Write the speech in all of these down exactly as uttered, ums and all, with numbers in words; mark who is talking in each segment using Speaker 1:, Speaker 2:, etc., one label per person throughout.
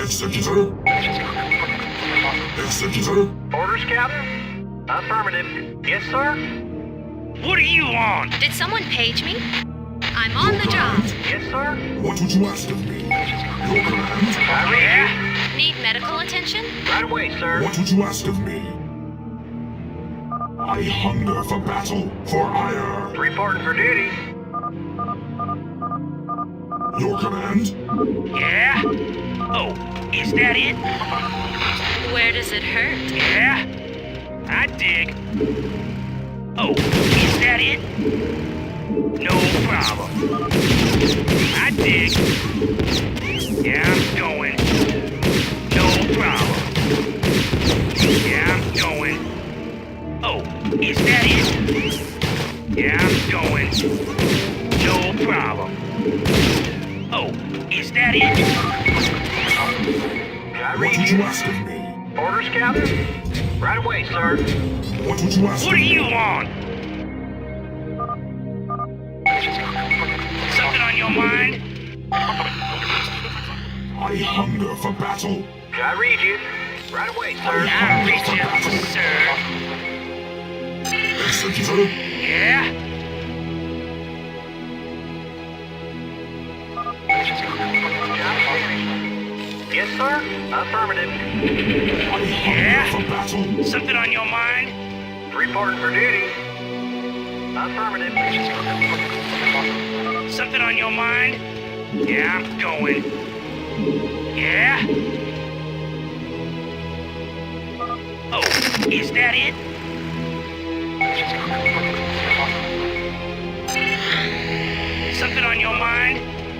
Speaker 1: Executor? Executor?
Speaker 2: Orders, Captain? Affirmative. Yes, sir?
Speaker 3: What do you want?
Speaker 4: Did someone page me? I'm on the job.
Speaker 2: Yes, sir?
Speaker 1: What would you ask of me? Your command?
Speaker 2: I read
Speaker 3: Yeah?
Speaker 4: Need medical attention?
Speaker 2: you. Right away, sir.
Speaker 1: What would you ask of me? I hunger for battle, for ire.
Speaker 2: Reporting for duty.
Speaker 1: Your command?
Speaker 3: Yeah? Oh, is that it?
Speaker 4: Where does it hurt?
Speaker 3: Yeah? I dig. Oh, is that it? No problem. I dig. Yeah, I'm going. No problem. Yeah, I'm going. Oh, is that it? Yeah, I'm going. No problem. Oh, is that it?
Speaker 2: I
Speaker 1: What
Speaker 2: read
Speaker 1: would you
Speaker 2: you.
Speaker 1: ask of me?
Speaker 2: Orders, Captain? Right away, sir.
Speaker 1: What would you ask
Speaker 3: What
Speaker 1: of
Speaker 3: do
Speaker 1: me?
Speaker 3: you want? Something on your mind?
Speaker 1: I hunger for battle.
Speaker 2: I read you. Right away, sir.
Speaker 3: I reach you, sir.
Speaker 1: Executor?
Speaker 3: Yeah?
Speaker 2: Job finished. Yes, sir? Affirmative.
Speaker 1: I
Speaker 3: Yeah?
Speaker 1: hunger for battle.
Speaker 3: Something on your mind?
Speaker 2: Reporting for duty. Affirmative.
Speaker 3: Something on your mind? Yeah, I'm going. Yeah? Oh, is that it? Something on your mind?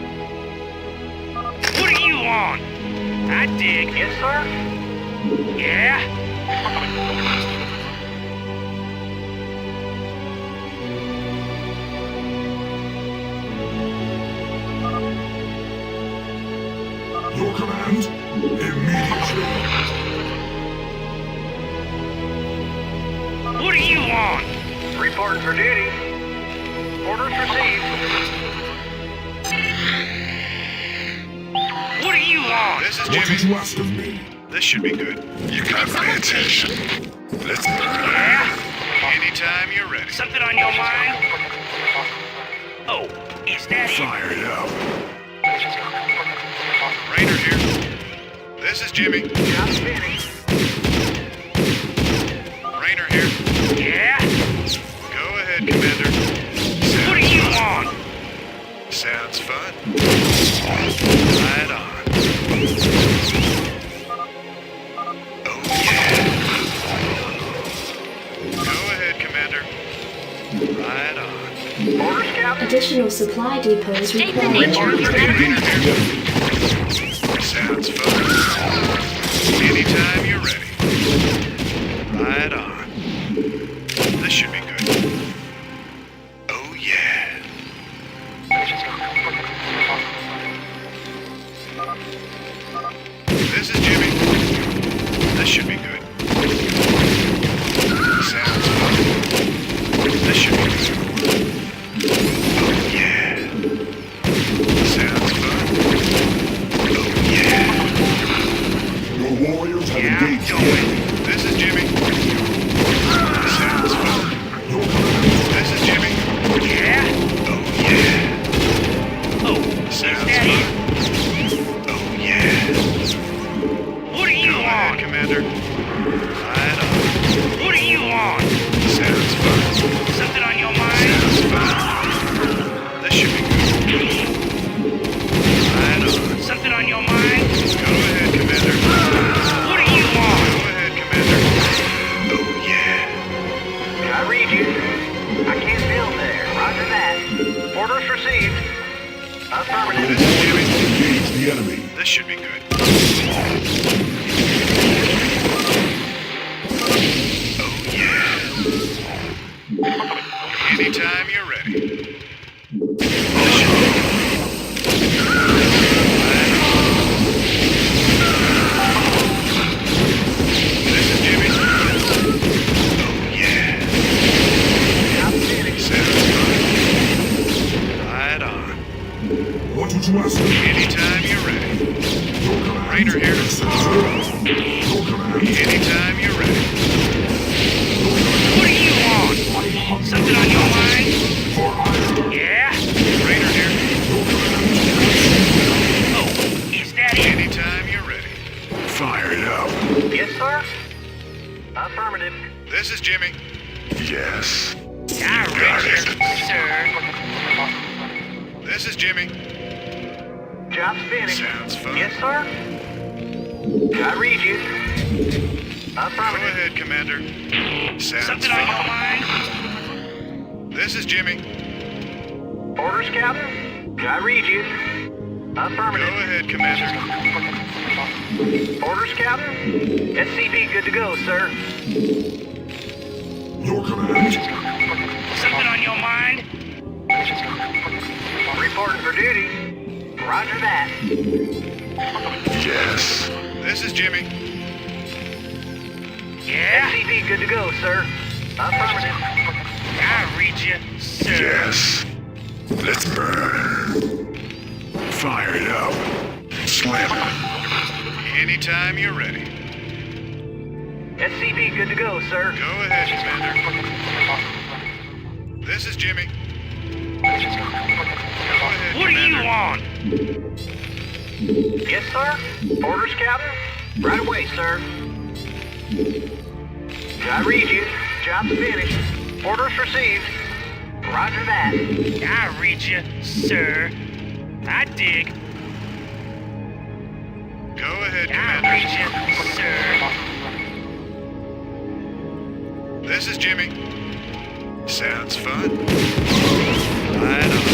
Speaker 3: What do you want? I dig.
Speaker 2: Yes, sir?
Speaker 3: Yeah?
Speaker 1: Your command? Immediately.
Speaker 3: What do you want?
Speaker 2: Reporting for duty. Orders received.
Speaker 3: What do you want?
Speaker 5: This is
Speaker 1: What would
Speaker 5: Jimmy.
Speaker 1: you ask of me?
Speaker 5: This should be good. You got my attention. Let's
Speaker 3: Yeah?
Speaker 5: anytime you're ready.
Speaker 3: Something on your mind? Oh, is that it?
Speaker 5: Fired up. Rainer here. This is Jimmy.
Speaker 2: Job finished.
Speaker 5: Rainer here.
Speaker 3: Yeah?
Speaker 5: Go ahead, Commander.
Speaker 3: What do you want?
Speaker 5: Sounds fun. Right on. Oh, yeah. Go ahead, Commander. Right on.
Speaker 2: Orders, Captain?
Speaker 6: Additional supply depots
Speaker 4: State the
Speaker 6: required.
Speaker 4: nature of your
Speaker 5: Rainer
Speaker 4: enemy.
Speaker 5: here. Sounds fun. Anytime you're ready. Right on. This should be good. Oh, yeah. This is Jimmy. This should be good. Sounds fun. This should be good. Oh, yeah. Sounds fun. Oh, yeah.
Speaker 1: Your warriors have
Speaker 3: Yeah, I'm
Speaker 1: engaged the
Speaker 3: going.
Speaker 1: enemy.
Speaker 5: This is Jimmy. Sounds fun.
Speaker 1: Your command?
Speaker 5: This is Jimmy.
Speaker 3: Yeah?
Speaker 5: Oh, yeah.
Speaker 3: Oh, is
Speaker 5: Sounds
Speaker 3: that it?
Speaker 5: fun. Oh, yeah.
Speaker 3: What do you
Speaker 5: Go ahead,
Speaker 3: want?
Speaker 5: Commander. Right on.
Speaker 3: What do you want?
Speaker 5: Sounds fun.
Speaker 3: Something on your mind?
Speaker 5: Sounds fun. This should be good. Right on.
Speaker 3: Something on your mind?
Speaker 5: Go ahead, Commander.
Speaker 3: What do you want?
Speaker 5: Go ahead, Commander. Oh, yeah.
Speaker 2: I read you. I can't build there. Roger that. Orders received. Affirmative.
Speaker 5: This is Jimmy.
Speaker 1: Engage the enemy.
Speaker 5: This should be good. Oh, yeah. Anytime you're ready. This should be good. Right on. This is Jimmy. Oh, yeah.
Speaker 2: Job finished.
Speaker 5: Sounds fun. Right on.
Speaker 1: What would you ask me?
Speaker 5: Anytime you're ready.
Speaker 1: Your command.
Speaker 5: Raider here.
Speaker 1: Your command.
Speaker 5: Anytime you're ready.
Speaker 3: What do you want? Something on your mind?
Speaker 1: For iron.
Speaker 3: Yeah?
Speaker 5: Raider here.
Speaker 3: Oh, is that it?
Speaker 5: Anytime you're ready.
Speaker 1: Fire it up.
Speaker 2: Yes, sir. Affirmative.
Speaker 5: This is Jimmy.
Speaker 1: Yes.
Speaker 3: I read you, sir.
Speaker 5: This is Jimmy.
Speaker 2: Job's finished.
Speaker 5: Sounds fun.
Speaker 2: Yes, sir. I read you.
Speaker 5: Go
Speaker 2: Affirmative.
Speaker 5: ahead, Commander. Sounds
Speaker 3: Something on your
Speaker 5: fun.
Speaker 3: mind?
Speaker 5: This is Jimmy.
Speaker 2: Orders, Captain. I read you.
Speaker 5: Go
Speaker 2: Affirmative.
Speaker 5: ahead, Commander.
Speaker 2: Orders, Captain. S C V good to go, sir.
Speaker 1: Your command.
Speaker 3: Something on your mind?
Speaker 2: Reporting for duty. Roger that.
Speaker 1: Yes.
Speaker 5: This is Jimmy.
Speaker 3: Yeah?
Speaker 2: S C V good to go, sir. Affirmative.
Speaker 3: I read you, sir.
Speaker 1: Yes. Let's burn. Fire it up. Slam it.
Speaker 5: Anytime you're ready.
Speaker 2: S C V good to go, sir.
Speaker 5: Go ahead, Commander. This is Jimmy. Go ahead,
Speaker 3: What do you
Speaker 5: Commander.
Speaker 3: want?
Speaker 2: Yes, sir. Orders, Captain. Right away, sir. I read you. Job's finished. Orders received. Roger that.
Speaker 3: I read you, sir. I dig.
Speaker 5: Go ahead,
Speaker 3: I
Speaker 5: Commander.
Speaker 3: read you, sir.
Speaker 5: This is Jimmy. Sounds fun. Right on.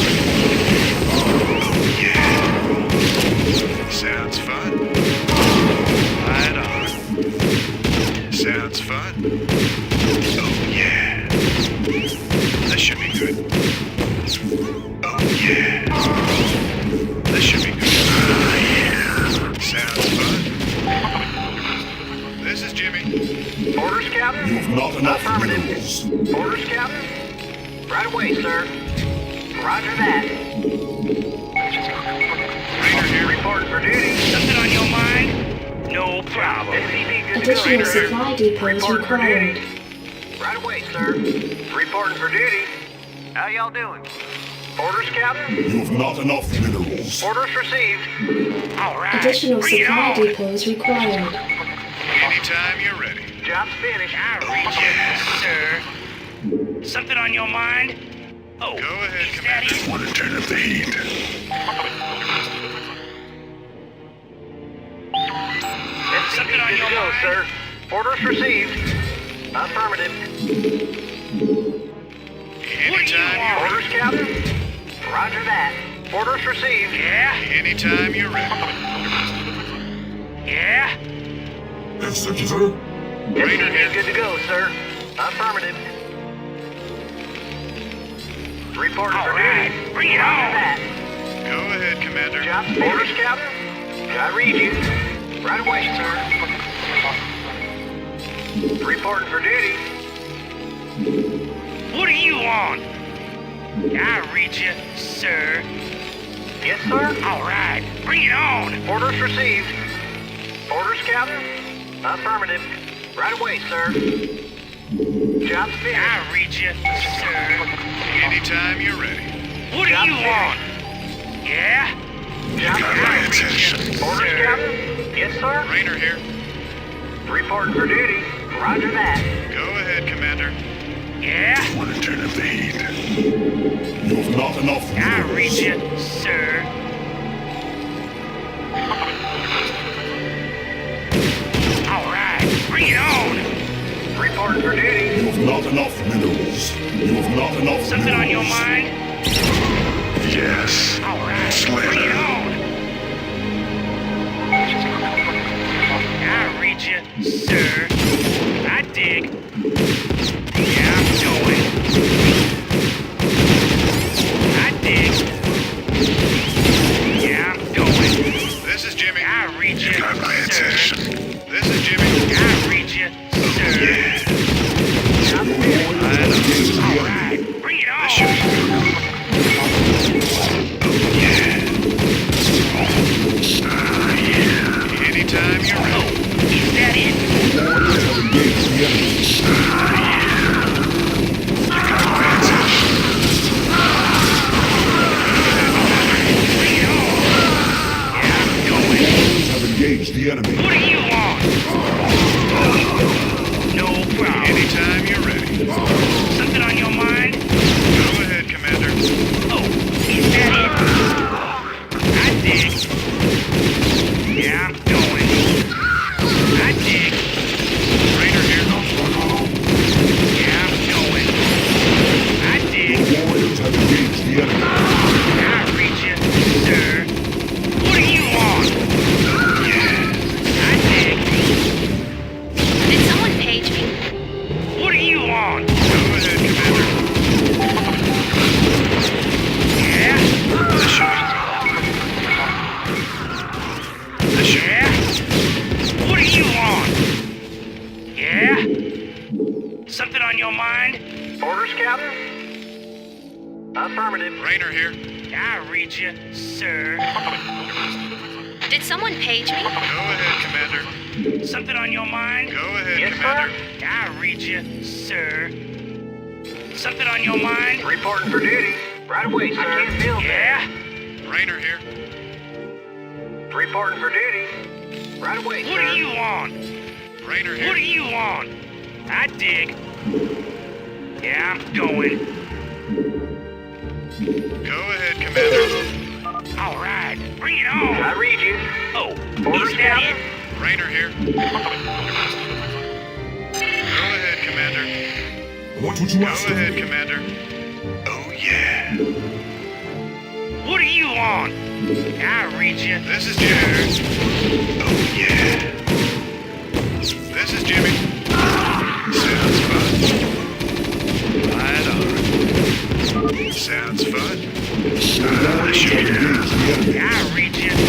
Speaker 5: Yeah. Sounds fun. Right on. Sounds fun. Oh yeah. This should be good. Oh yeah. This should be good. Ah, yeah. Sounds fun. This is Jimmy.
Speaker 2: Orders, Captain.
Speaker 1: You've not enough
Speaker 2: Affirmative.
Speaker 1: minerals.
Speaker 2: Orders, Captain. Right away, sir. Roger that.
Speaker 5: Raider here.
Speaker 2: Reporting for duty.
Speaker 3: Something on your mind? No problem.
Speaker 2: S C V good to go,
Speaker 6: Additional
Speaker 2: sir.
Speaker 6: supply depots
Speaker 2: Reporting for
Speaker 6: required.
Speaker 2: duty. Right away, sir. Reporting for duty. How y'all doing? Orders, Captain.
Speaker 1: You've not enough minerals.
Speaker 2: Orders received.
Speaker 3: All right.
Speaker 6: Additional
Speaker 3: Bring it
Speaker 6: supply
Speaker 3: on.
Speaker 6: depots required.
Speaker 5: Anytime you're ready.
Speaker 2: Job's finished.
Speaker 3: I read you, sir. Something on your mind? Oh,
Speaker 5: Go ahead,
Speaker 3: is that
Speaker 5: Commander.
Speaker 3: it?
Speaker 1: Want to turn up the heat.
Speaker 2: S C V
Speaker 3: Something on
Speaker 2: good
Speaker 3: your
Speaker 2: to go,
Speaker 3: mind?
Speaker 2: sir. Orders received. Affirmative.
Speaker 3: What do you
Speaker 5: Anytime you're
Speaker 3: want?
Speaker 2: Orders, Captain. Roger that. Orders received.
Speaker 3: Yeah?
Speaker 5: Anytime you're ready.
Speaker 3: Yeah?
Speaker 1: Executor.
Speaker 2: S C V good to go, sir. Affirmative. Reporting
Speaker 3: All
Speaker 2: for
Speaker 3: right.
Speaker 2: duty.
Speaker 3: Bring it
Speaker 2: Roger
Speaker 3: on.
Speaker 2: that.
Speaker 5: Go ahead, Commander.
Speaker 2: Job orders, Captain. I read you. Right away, sir. Reporting for duty.
Speaker 3: What do you want? I read you, sir.
Speaker 2: Yes, sir.
Speaker 3: All right. Bring it on.
Speaker 2: Orders received. Orders, Captain. Affirmative. Right away, sir. Job's finished.
Speaker 3: I read you, sir.
Speaker 5: Anytime you're ready.
Speaker 3: What do
Speaker 2: Job
Speaker 3: you
Speaker 2: finished.
Speaker 3: want? Yeah?
Speaker 2: Job's
Speaker 1: got my
Speaker 2: finished.
Speaker 1: attention.
Speaker 2: Orders,
Speaker 3: sir.
Speaker 2: Captain. Yes, sir.
Speaker 5: Rainer here.
Speaker 2: Reporting for duty. Roger that.
Speaker 5: Go ahead, Commander.
Speaker 3: Yeah?
Speaker 1: Want to turn up the heat. You've not enough
Speaker 3: I read
Speaker 1: minerals.
Speaker 3: you, sir. All right. Bring it on.
Speaker 2: Reporting for duty.
Speaker 1: You've not enough minerals. You've not enough
Speaker 3: Something on your
Speaker 1: minerals.
Speaker 3: mind?
Speaker 1: Yes.
Speaker 3: All right.
Speaker 1: Slam
Speaker 3: Bring it
Speaker 1: it.
Speaker 3: on. I read you, sir. I dig. Yeah, I'm going. I dig. Yeah, I'm going.
Speaker 5: This is Jimmy.
Speaker 3: I read you,
Speaker 1: Got my
Speaker 3: sir.
Speaker 1: attention.
Speaker 5: This is Jimmy.
Speaker 3: I read you, sir.
Speaker 1: Yeah.
Speaker 2: Job's finished.
Speaker 1: I know.
Speaker 3: All right. Bring it on.
Speaker 5: This should be good. Oh, yeah.
Speaker 1: engaged the enemy.
Speaker 3: What do you want? No problem.
Speaker 5: Anytime you're ready.
Speaker 3: Something on your mind?
Speaker 5: Go ahead, Commander.
Speaker 3: Oh, is that it? I dig. Yeah, I'm going. I dig.
Speaker 5: Rainer here.
Speaker 3: Yeah, I'm going. I dig.
Speaker 1: Your warriors have engaged the enemy.
Speaker 3: I'll reach you, sir. What do you want? I dig.
Speaker 4: Did someone page me?
Speaker 3: What do you want?
Speaker 5: Go ahead, Commander.
Speaker 3: Yeah?
Speaker 5: This should This should
Speaker 3: Yeah? What do you want? Yeah? Something on your mind?
Speaker 2: Orders, Captain? Affirmative.
Speaker 5: Rainer here.
Speaker 3: I'll read you, sir.
Speaker 4: Did someone page me?
Speaker 5: Go ahead, Commander.
Speaker 3: Something on your mind?
Speaker 5: Go ahead,
Speaker 2: Yes,
Speaker 5: Commander.
Speaker 3: I'll read you, sir. Something on your mind?
Speaker 2: Reporting for duty. Right away, sir. I can't feel
Speaker 3: Yeah?
Speaker 5: Rainer here.
Speaker 2: Reporting for duty. Right away,
Speaker 3: What
Speaker 2: sir.
Speaker 3: do you want?
Speaker 5: Rainer
Speaker 3: What do
Speaker 5: here.
Speaker 3: you want? I dig. Yeah, I'm going.
Speaker 5: Go ahead, Commander.
Speaker 3: All right, bring it
Speaker 2: I
Speaker 3: on.
Speaker 2: read you.
Speaker 3: Oh,
Speaker 2: Orders,
Speaker 3: is that
Speaker 2: Captain?
Speaker 3: it?
Speaker 5: Rainer here. Go ahead, Commander.
Speaker 1: What would you
Speaker 5: Go
Speaker 1: ask of
Speaker 5: ahead,
Speaker 1: me?
Speaker 5: Commander. Oh, yeah.
Speaker 3: What do you want? I'll read you.
Speaker 5: This is Jimmy. Oh, yeah. This is Jimmy. Sounds fun. Right on. Sounds fun.
Speaker 1: Your warriors have engaged the enemy.
Speaker 3: I'll read you.